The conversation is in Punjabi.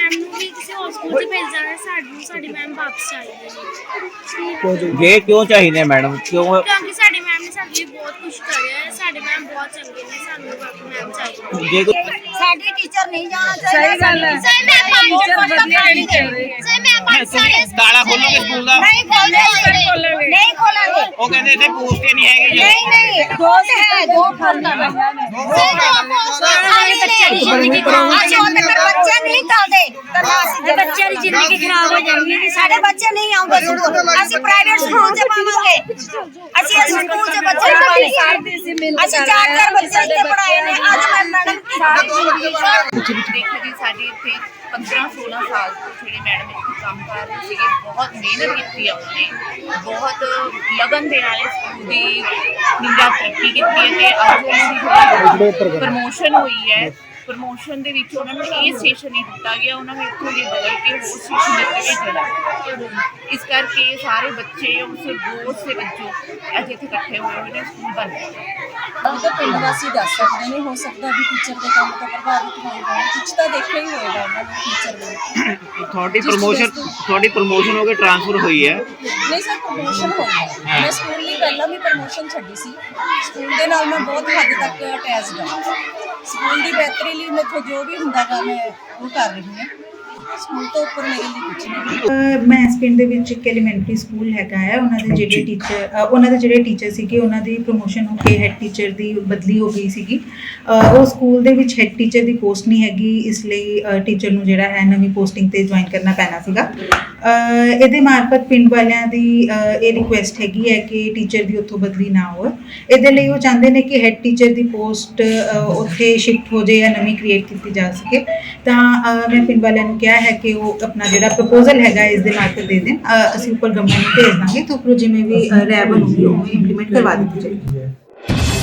ਮੈਮ ਨੂੰ ਵੀ ਕਿਸੇ ਹੋਰ ਸਕੂਲ 'ਚ ਭੇਜ ਜਾਣਾ, ਸਾਡੀ ਮੈਮ ਵਾਪਸ ਚਾਹੀਦੀ ਹੈ। ਜੇ ਕਿਉਂ ਚਾਹੀਦੇ ਮੈਡਮ, ਕਿਉਂ? ਕਿਉਂਕਿ ਸਾਡੀ ਮੈਮ ਨੇ ਸਾਡੇ ਲਈ ਬਹੁਤ ਕੁਝ ਕਰਿਆ ਹੈ, ਸਾਡੇ ਮੈਮ ਬਹੁਤ ਚੰਗੇ ਨੇ, ਸਾਨੂੰ ਬਾਕੀ ਮੈਮ ਚਾਹੀਦੀ ਜੇ ਸਾਡੀ ਟੀਚਰ ਨਹੀਂ ਜਾਣਾ ਚਾਹੀਦਾ। ਸਹੀ ਗੱਲ ਹੈ। ਸਹੀ ਮੈਂ ਟੀਚਰ ਬਦਲਣੇ ਨਹੀਂ ਚਾਹੀਦੇ। ਸਹੀ ਮੈਂ ਤਾਲਾ ਖੋਲੋਗੇ ਸਕੂਲ ਦਾ? ਨਹੀਂ ਖੋਲਾਂਗੇ, ਨਹੀਂ ਖੋਲਾਂਗੇ। ਉਹ ਕਹਿੰਦੇ ਇੱਥੇ ਪੋਸਟ ਹੀ ਨਹੀਂ ਹੈਗੀ। ਨਹੀਂ ਨਹੀਂ, ਦੋ ਹੈ, ਦੋ ਖੋਲਣਾ ਹੈ। ਬੱਚੇ ਨਹੀਂ ਚੱਲਦੇ, ਬੱਚਿਆਂ ਦੀ ਜ਼ਿੰਦਗੀ ਖਰਾਬ ਹੋ ਜਾਣੀ। ਸਾਡੇ ਬੱਚੇ ਨਹੀਂ ਆਉਂਦੇ ਸਕੂਲ, ਅਸੀਂ ਪ੍ਰਾਈਵੇਟ ਸਕੂਲ 'ਚ ਪਾਵਾਂਗੇ। ਅਸੀਂ ਇਸ ਸਕੂਲ 'ਚ ਬੱਚੇ ਪਾਵਾਂਗੇ। ਅਸੀਂ 4 ਬੱਚੇ ਇੱਥੇ ਪੜਾਏ ਨੇ। ਅੱਜ ਮੈਂ ਮੈਡਮ ਦੇਖੋ ਜੀ, ਸਾਡੀ ਇੱਥੇ 15-16 ਸਾਲ ਤੋਂ ਜਿਹੜੇ ਮੈਡਮ ਇੱਥੇ ਕੰਮ ਕਰ ਰਹੇ ਸੀਗੇ, ਬਹੁਤ ਮਿਹਨਤ ਕੀਤੀ ਆ ਉਹਨੇ, ਬਹੁਤ ਲਗਨ ਦੇ ਨਾਲ ਸਕੂਲ ਦੀ ਨਿੰਦਾ ਤਰੱਕੀ ਕੀਤੀ ਹੈ ਤੇ ਅੱਜ ਉਹਨਾਂ ਦੀ ਪ੍ਰਮੋਸ਼ਨ ਹੋਈ ਹੈ। ਪ੍ਰਮੋਸ਼ਨ ਦੇ ਵਿੱਚ ਉਹਨਾਂ ਨੂੰ ਇਹ ਸਟੇਸ਼ਨ ਨਹੀਂ ਦਿੱਤਾ ਗਿਆ, ਉਹਨਾਂ ਨੂੰ ਇੱਥੋਂ ਦੀ ਬਦਲ ਕੇ ਹੋਰ ਸਟੇਸ਼ਨ ਦਿੱਤੇ ਗਏ। ਇਸ ਕਰਕੇ ਸਾਰੇ ਬੱਚੇ ਉਸ ਦੋਸਤ ਦੇ ਵਿੱਚੋਂ ਅੱਜ ਇੱਥੇ ਇਕੱਠੇ ਹੋਏ ਨੇ ਸਕੂਲ ਬਣ ਰਿਹਾ। ਉਹ ਤਾਂ ਪਿੰਡ ਵਾਸੀ ਦੱਸ ਸਕਦੇ ਨੇ, ਹੋ ਸਕਦਾ ਵੀ ਟੀਚਰ ਦੇ ਕੰਮ ਤੋਂ ਪ੍ਰਭਾਵਿਤ ਹੋਏ ਹੋਣ, ਕੁਛ ਤਾਂ ਦੇਖਿਆ ਹੀ ਹੋਏਗਾ ਉਹਨਾਂ ਨੇ ਟੀਚਰ ਦੇ। ਤੁਹਾਡੀ ਪ੍ਰਮੋਸ਼ਨ ਹੋ ਕੇ ਟ੍ਰਾਂਸਫਰ ਹੋਈ ਹੈ? ਨਹੀਂ ਸਰ, ਪ੍ਰਮੋਸ਼ਨ ਹੋਈ ਹੈ। ਮੈਂ ਸਕੂਲ ਲਈ ਪਹਿਲਾਂ ਵੀ ਪ੍ਰਮੋਸ਼ਨ ਛੱਡੀ ਸੀ। ਸਕੂਲ ਦੇ ਨਾਲ ਮੈਂ ਬਹੁਤ ਹੱਦ ਤੱਕ ਅਟੈਚਡ ਹਾਂ। ਸਕੂਲ ਦੀ ਬਿਹਤਰੀ ਲਈ ਮੈਥੋਂ ਜੋ ਵੀ ਹੁੰਦਾ ਗਾ ਮੈਂ ਉਹ ਕਰ ਰਹੀ ਹਾਂ। ਸਕੂਲ ਤੋਂ ਉੱਪਰ ਮੇਰੇ ਲਈ ਕੁਝ ਨਹੀਂ। ਮੈਂ ਇਸ ਪਿੰਡ ਦੇ ਵਿੱਚ ਇੱਕ ਐਲੀਮੈਂਟਰੀ ਸਕੂਲ ਹੈਗਾ ਹੈ, ਉਹਨਾਂ ਦੇ ਜਿਹੜੇ ਟੀਚਰ ਸੀਗੇ, ਉਹਨਾਂ ਦੀ ਪ੍ਰਮੋਸ਼ਨ ਹੋ ਕੇ ਹੈੱਡ ਟੀਚਰ ਦੀ ਬਦਲੀ ਹੋ ਗਈ ਸੀਗੀ। ਉਹ ਸਕੂਲ ਦੇ ਵਿੱਚ ਹੈੱਡ ਟੀਚਰ ਦੀ ਪੋਸਟ ਨਹੀਂ ਹੈਗੀ, ਇਸ ਲਈ ਟੀਚਰ ਨੂੰ ਜਿਹੜਾ ਹੈ ਨਵੀਂ ਪੋਸਟਿੰਗ 'ਤੇ ਜੁਆਇਨ ਕਰਨਾ ਪੈਣਾ ਸੀਗਾ। ਇਹਦੇ ਮਾਰਫਤ ਪਿੰਡ ਵਾਲਿਆਂ ਦੀ ਇਹ ਰਿਕੁਐਸਟ ਹੈਗੀ ਹੈ ਕਿ ਟੀਚਰ ਦੀ ਉੱਥੋਂ ਬਦਲੀ ਨਾ ਹੋਵੇ। ਇਹਦੇ ਲਈ ਉਹ ਚਾਹੁੰਦੇ ਨੇ ਕਿ ਹੈੱਡ ਟੀਚਰ ਦੀ ਪੋਸਟ ਉੱਥੇ ਸ਼ਿਫਟ ਹੋ ਜਾਏ ਜਾਂ ਨਵੀਂ ਕ੍ਰੀਏਟ ਕੀਤੀ ਜਾ ਸਕੇ। ਤਾਂ ਮੈਂ ਪਿੰਡ ਵਾਲਿਆਂ ਨੂੰ ਕਿਹਾ ਹੈ ਕਿ ਉਹ ਆਪਣਾ ਜਿਹੜਾ ਪ੍ਰਪੋਜ਼ਲ ਹੈਗਾ ਇਸ ਦੇ ਨਾਲ ਦੇ ਦੇਣ। ਅਸੀਂ ਉੱਪਰ ਗਵਰਨਮੈਂਟ ਨੂੰ ਭੇਜ ਦਾਂਗੇ, ਤਾਂ ਉੱਪਰੋਂ ਜਿਵੇਂ ਵੀ ਰਹਿ ਬਣੂਗੀ ਉਹ ਇੰਪਲੀਮੈਂਟ ਕਰਵਾ ਦਿੱਤੀ ਜਾਏਗੀ।